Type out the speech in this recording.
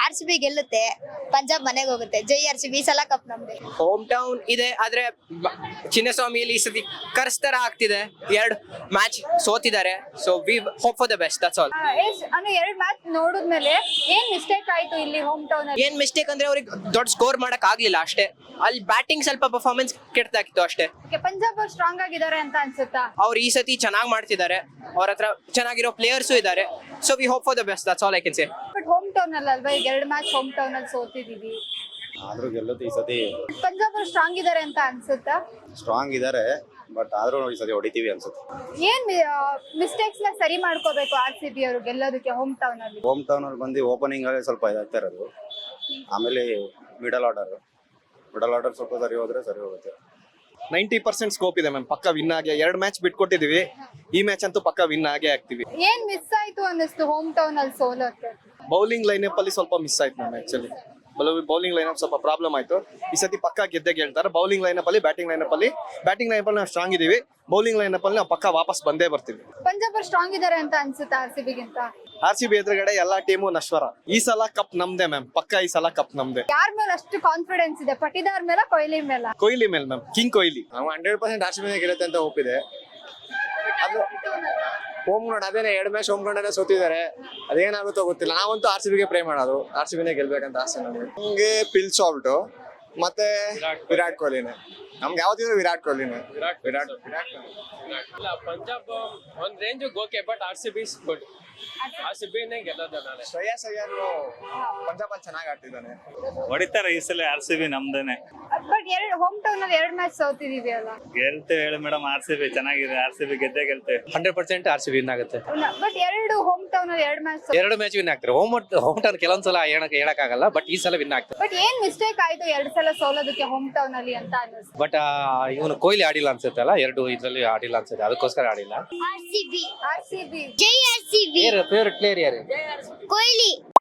RCB ಗೆಲ್ಲುತ್ತೆ, Punjab ಮನೆಗೆ ಹೋಗುತ್ತೆ. ಜೈ RCB, ಈ ಸಲ ಕಪ್ ನಮ್ದೆ. ಹೋಮ್ ಟೌನ್ ಇದೆ, ಆದ್ರೆ ಚಿನ್ನಸ್ವಾಮಿಯಲ್ಲಿ ಈ ಸತಿ ಕರ್ಸ್ ತರ ಆಗ್ತಿದೆ. 2 ಮ್ಯಾಚ್ ಸೋತಿದ್ದಾರೆ. So we hope for the best, that's all. ಅಂದ್ರೆ 2 ಮ್ಯಾಚ್ ನೋಡಿದ್ಮೇಲೆ ಏನ್ ಮಿಸ್ಟೇಕ್ ಆಯ್ತು ಇಲ್ಲಿ ಹೋಮ್ ಟೌನ್ ಅಲ್ಲಿ? ಏನ್ ಮಿಸ್ಟೇಕ್ ಅಂದ್ರೆ ಅವ್ರಿಗೆ ದೊಡ್ಡ ಸ್ಕೋರ್ ಮಾಡಕ್ ಆಗ್ಲಿಲ್ಲ ಅಷ್ಟೇ. ಅಲ್ಲಿ ಬ್ಯಾಟಿಂಗ್ ಸ್ವಲ್ಪ ಪರ್ಫಾರ್ಮೆನ್ಸ್ ಕೆಟ್ಟದಾಗಿತ್ತು ಅಷ್ಟೇ. ಪಂಜಾಬ್ ಅವ್ರು ಸ್ಟ್ರಾಂಗ್ ಆಗಿದ್ದಾರೆ ಅಂತ ಅನ್ಸುತ್ತಾ? ಅವ್ರು ಈ ಸತಿ ಚೆನ್ನಾಗಿ ಮಾಡ್ತಿದ್ದಾರೆ, ಅವ್ರ ಹತ್ರ ಚೆನ್ನಾಗಿರೋ ಪ್ಲೇಯರ್ಸು ಇದ್ದಾರೆ. So we hope for the best, that's all I can say. But home town ಅಲ್ಲಿ ಅಲ್ವಾ, ಈಗ 2 ಮ್ಯಾಚ್ ಹೋಮ್ ಟೌನ್ ಅಲ್ಲಿ ಸೋತಿದೀವಿ. ಆದ್ರೂ ಗೆಲ್ಲುತ್ತೆ ಈ ಸತಿ. ಪಂಜಾಬ್ ಅವ್ರು ಸ್ಟ್ರಾಂಗ್ ಇದಾರೆ ಅಂತ ಅನ್ಸುತ್ತಾ? ಸ್ಟ್ರಾಂಗ್ ಇದಾರೆ, ಬಟ್ ಆದ್ರೂ ಈ ಸತಿ ಹೊಡಿತೀವಿ ಅನ್ಸುತ್ತೆ. ಏನ್ ಮಿಸ್ಟೇಕ್ಸ್ ನ ಸರಿ ಮಾಡ್ಕೋಬೇಕು RCB ಅವರು ಗೆಲ್ಲೋದಕ್ಕೆ ಹೋಮ್ ಟೌನ್ ಅಲ್ಲಿ? ಹೋಮ್ ಟೌನ್ ಅಲ್ಲಿ ಬಂದು ಓಪನಿಂಗ್ ಅಲ್ಲಿ ಸ್ವಲ್ಪ ಇದಾಗ್ತಾ ಇರೋದು. ಆಮೇಲೆ ಮಿಡಲ್ ಆರ್ಡರ್ ಸ್ವಲ್ಪ ಸರಿ ಹೋದ್ರೆ ಸರಿ ಹೋಗುತ್ತೆ. 90% ಸ್ಕೋಪ್ ಇದೆ ಮ್ಯಾಮ್, ಪಕ್ಕ ವಿನ್ ಆಗಿ. 2 ಮ್ಯಾಚ್ ಬಿಟ್ಕೊಟ್ಟಿದೀವಿ, ಈ ಮ್ಯಾಚ್ ಅಂತೂ ಪಕ್ಕ ವಿನ್ ಆಗೇ ಆಗ್ತೀವಿ. ಏನ್ ಮಿಸ್ ಆಯ್ತು ಅನ್ನಿಸ್ತು ಹೋಮ್ ಟೌನ್ ಅಲ್ಲಿ ಸೋಲೋಕೆ? ಬೌಲಿಂಗ್ ಲೈನಪ್ ಅಲ್ಲಿ ಸ್ವಲ್ಪ ಮಿಸ್ ಆಯ್ತು ಮ್ಯಾಮ್. ಆಕ್ಚುಲಿ ಬೌಲಿಂಗ್ ಲೈನಪ್ ಸ್ವಲ್ಪ ಪ್ರಾಬ್ಲಮ್ ಆಯ್ತು. ಈ ಸತಿ ಪಕ್ಕ ಗೆದ್ದೆ ಗೆಲ್ತಾರೆ. ಬೌಲಿಂಗ್ ಲೈನಪ್ ಅಲ್ಲಿ ಬ್ಯಾಟಿಂಗ್ ಲೈನಪ್ ಅಲ್ಲಿ ನಾವು ಸ್ಟ್ರಾಂಗ್ ಇದೀವಿ. ಬೌಲಿಂಗ್ ಲೈನಪ್ ಅಲ್ಲಿ ನಾವು ಪಕ್ಕ ವಾಪಸ್ ಬಂದೇ ಬರ್ತೀವಿ. ಪಂಜಾಬ್ ಅವ್ರು ಸ್ಟ್ರಾಂಗ್ ಇದಾರೆ ಅಂತ ಅನ್ಸುತ್ತಾ RCB ಗಿಂತ? RCB ಎದುರುಗಡೆ ಎಲ್ಲಾ ಟೀಮು ನಶ್ವರ. ಈ ಸಲ ಕಪ್ ನಮ್ದೆ ಮ್ಯಾಮ್, ಪಕ್ಕ ಈ ಸಲ ಕಪ್ ನಮ್ದೆ. ಯಾರ ಮೇಲೆ ಅಷ್ಟು ಕಾನ್ಫಿಡೆನ್ಸ್ ಇದೆ? ಪಟಿದಾರ್ ಮೇಲೆ, ಕೊಹ್ಲಿ ಮೇಲೆ? ಕೊಹ್ಲಿ ಮೇಲೆ ಮ್ಯಾಮ್, ಕಿಂಗ್ ಕೊಹ್ಲಿ. ನಾವು 100% RCB ಗೆಲ್ಲುತ್ತೆ ಅಂತ ಒಪ್ಪಿದೆ. ಹೋಮ್ ಗ್ರೌಂಡ್ ಅದೇನೆ, 2 ಮ್ಯಾಚ್ ಹೋಮ್ ಗ್ರೌಂಡ್ ಅಲ್ಲೇ ಸೋತಿದ್ದಾರೆ. ಅದೇನಾಗುತ್ತೋ ಗೊತ್ತಿಲ್ಲ. ನಾವಂತೂ RCB ಗೆ ಪ್ರೇ ಮಾಡೋದು, RCB ನೇ ಗೆಲ್ಬೇಕಂತ ಆಸೆ ನಮಗೆ. ನಮ್ಗೆ ಪಿಲ್ ಸಾಲ್ಟ್ ಮತ್ತೆ ವಿರಾಟ್ ಕೊಹ್ಲಿನೇ. ನಮ್ಗೆ ಯಾವ್ದಿದ್ರು ವಿರಾಟ್ ಕೊಹ್ಲಿನೇ. ವಿರಾಟ್ ಪಂಜಾಬ್ ಒಂದ್ range okay, but RCB is good. RCB ನೇ ಗೆಲ್ಲೋದು. ನಾನು ಶ್ರೇಯಸ್ ಅಯ್ಯರ್ ಪಂಜಾಬ್ ಅಲ್ಲಿ ಚೆನ್ನಾಗಿ ಆಡ್ತಿದ್ದಾನೆ. ಹೊಡಿತಾರೆ ಈ ಸಲ RCB ನಮ್ದೇನೆ. ಬಟ್ ಹೋಮ್ ಟೌನ್ ಅಲ್ಲಿ 2 ಮ್ಯಾಚ್ ಸೋತಿದೀವಿ ಅಲ್ಲ? ಗೆಲ್ತೇವೆ ಹೇಳಿ ಮೇಡಮ್, RCB ಚೆನ್ನಾಗಿದೆ. RCB ಗೆದ್ದೇ ಗೆಲ್ತೇವೆ. 100% RCB ವಿನ್ ಆಗುತ್ತೆ. ಬಟ್ 2 ಹೋಮ್ ಟೌನ್ ಅಲ್ಲಿ 2 ಮ್ಯಾಚ್ 2 ಮ್ಯಾಚ್ ವಿನ್ ಆಗ್ತಾರೆ. ಹೋಮ್ ಟೌನ್ ಕೆಲವೊಂದ್ಸಲ ಹೇಳಕ್ಕಾಗಲ್ಲ, ಬಟ್ ಈ ಸಲ ವಿನ್ ಆಗ್ತಾರೆ. ಬಟ್ ಏನ್ ಮಿಸ್ಟೇಕ್ ಆಯ್ತು 2 ಸಲ ಸೋಲೋದಕ್ಕೆ ಹೋಮ್ ಟೌನ್ ಅಲ್ಲಿ ಅಂತ ಅನಿಸ್ತು? ಬಟ್ ಇವನು ಕೊಹ್ಲಿ ಆಡಿಲ್ಲ ಅನ್ಸುತ್ತೆ ಅಲ್ಲ, 2 ಇದ್ರಲ್ಲಿ ಆಡಿಲ್ಲ ಅನ್ಸುತ್ತೆ, ಅದಕ್ಕೋಸ್ಕರ ಆಡಿಲ್ಲ. RCB, RCB ಜೈ RCB. ಫೇವರೇಟ್ ಪ್ಲೇಯರ್ ಯಾರು? ಕೊಹ್ಲಿ.